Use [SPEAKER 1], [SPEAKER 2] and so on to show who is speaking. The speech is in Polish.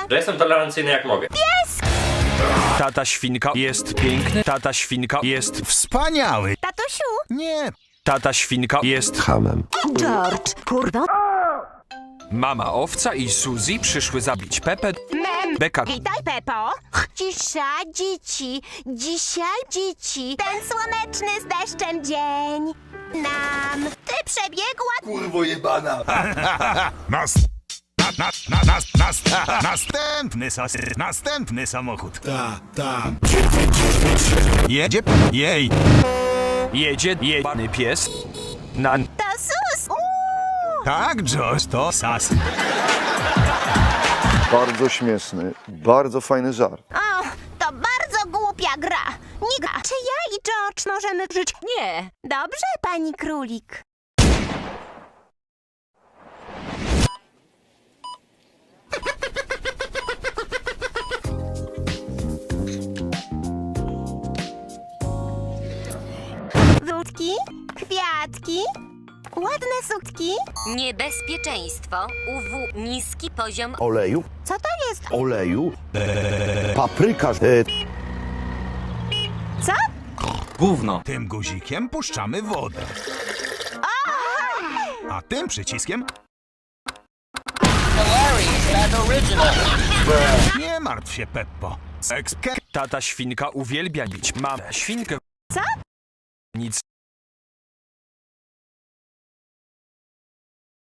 [SPEAKER 1] Że jestem tolerancyjny jak mogę.
[SPEAKER 2] Tata świnka jest piękny. Tata świnka jest
[SPEAKER 3] Wspaniały.
[SPEAKER 4] Tatusiu!
[SPEAKER 3] Nie.
[SPEAKER 2] Tata świnka jest
[SPEAKER 5] Hamem.
[SPEAKER 4] George, kurwa.
[SPEAKER 2] Mama owca i Suzy przyszły zabić Pepę.
[SPEAKER 4] Mem!
[SPEAKER 2] Beka.
[SPEAKER 4] Witaj, Pepo. Cisza, dzieci. Dzisiaj, dzieci. Ten słoneczny z deszczem dzień. Ty przebiegła...
[SPEAKER 5] Kurwo jebana.
[SPEAKER 3] Następny samochód.
[SPEAKER 5] Ta.
[SPEAKER 3] Jedzie. Jej.
[SPEAKER 2] Jedzie jebany pies.
[SPEAKER 4] To sus!
[SPEAKER 3] Tak, Josh, to sas.
[SPEAKER 5] Bardzo śmieszny, bardzo fajny żart.
[SPEAKER 4] O, to bardzo głupia gra. Nie gra. Czy ja i George możemy żyć? Nie. Dobrze, pani królik. Wódki, kwiatki, ładne sukni.
[SPEAKER 6] Niebezpieczeństwo. UW niski poziom.
[SPEAKER 5] Oleju?
[SPEAKER 4] Co to jest?
[SPEAKER 5] Oleju? Papryka.
[SPEAKER 4] Co?
[SPEAKER 3] Tym guzikiem puszczamy wodę. A tym przyciskiem... Nie martw się, Peppo.
[SPEAKER 2] Tata świnka uwielbia bić mamę świnkę.
[SPEAKER 4] Co?
[SPEAKER 2] Nic.